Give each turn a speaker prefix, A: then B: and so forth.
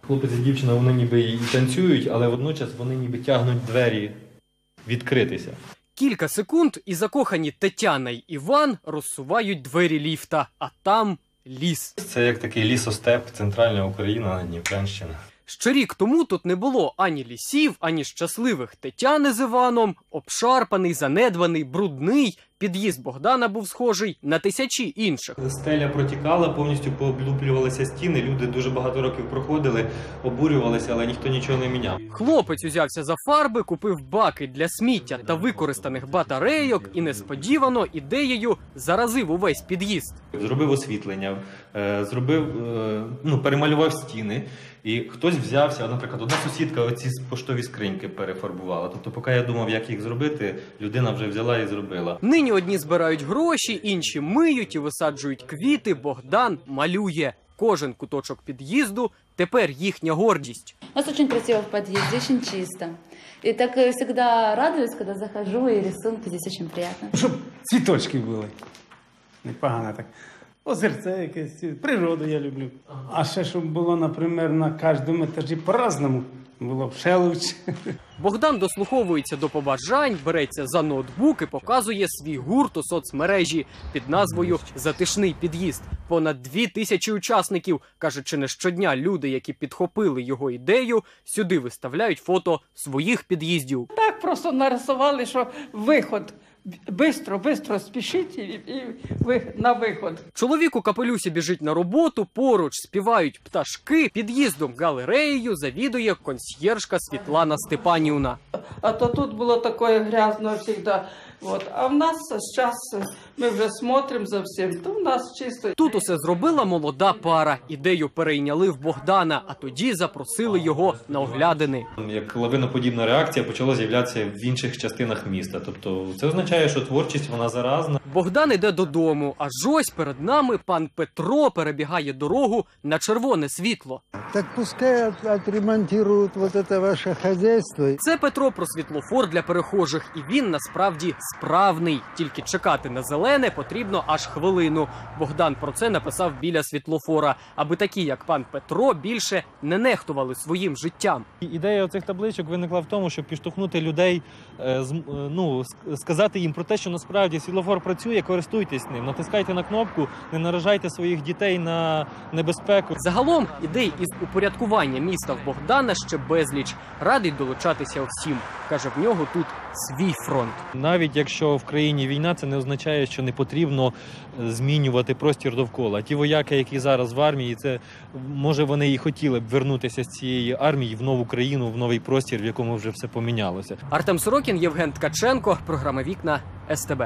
A: Хлопець і дівчина, вони ніби і танцюють, але водночас вони ніби тягнуть двері відкритися.
B: Кілька секунд і закохані Тетяна й Іван розсувають двері ліфта, а там ліс.
A: Це як такий лісостеп, центральна Україна, Дніпрянщина.
B: Ще рік тому тут не було ані лісів, ані щасливих Тетяни з Іваном. Обшарпаний, занедбаний, брудний. Під'їзд Богдана був схожий на тисячі інших.
A: Стеля протікала, повністю пооблюплювалися стіни. Люди дуже багато років проходили, обурювалися, але ніхто нічого не міняв.
B: Хлопець узявся за фарби, купив баки для сміття та використаних батарейок і несподівано ідеєю заразив увесь під'їзд.
A: Зробив освітлення, перемалював стіни. І хтось взявся, наприклад, одна сусідка оці поштові скриньки перефарбувала. Тобто, поки я думав, як їх зробити, людина вже взяла і зробила.
B: Нині одні збирають гроші, інші миють і висаджують квіти. Богдан малює. Кожен куточок під'їзду тепер їхня гордість.
C: У нас очень красиво в подъезде, очень чисто. И так всегда радуюсь, когда захожу, и рисунки здесь очень приятно.
D: Щоб цвіточки були. Непогано так. Озерце якесь, природу я люблю. А ще, щоб було, наприклад, на кожному етажі по-разному. Було б ще лучше.
B: Богдан дослуховується до побажань, береться за ноутбук і показує свій гурт у соцмережі під назвою «Затишний під'їзд». Понад 2000 учасників. Каже, чи не щодня люди, які підхопили його ідею, сюди виставляють фото своїх під'їздів.
E: Так просто нарисували, що виход. Бистро спішіть і ви на виход.
B: Чоловік у капелюсі біжить на роботу, поруч співають пташки, під'їздом галереєю завідує консьєржка Світлана Степанівна.
E: А то тут було таке грязно завжди. А в нас зараз ми вже смотримо за всім, то в нас чисто.
B: Тут усе зробила молода пара. Ідею перейняли в Богдана, а тоді запросили його на оглядини.
A: Як лавиноподібна реакція почала з'являтися в інших частинах міста. Тобто це означає, що творчість вона заразна.
B: Богдан іде додому, аж ось перед нами пан Петро перебігає дорогу на червоне світло.
F: Так пускай отремонтують це ваше хазяйство.
B: Це Петро про світлофор для перехожих, і він насправді справний. Тільки чекати на зелене потрібно аж хвилину. Богдан про це написав біля світлофора, аби такі, як пан Петро, більше не нехтували своїм життям.
A: Ідея цих табличок виникла в тому, щоб підштовхнути людей, сказати їм про те, що насправді світлофор працює, користуйтесь ним, натискайте на кнопку, не наражайте своїх дітей на небезпеку.
B: Загалом ідей із упорядкування міста в Богдана ще безліч. Радий долучатися всім. Каже, в нього тут свій фронт.
A: Навіть якщо в країні війна, це не означає, що не потрібно змінювати простір довкола. Ті вояки, які зараз в армії, це може вони і хотіли б вернутися з цієї армії в нову країну, в новий простір, в якому вже все помінялося.
B: Артем Сорокін, Євген Ткаченко, програма «Вікна», СТБ.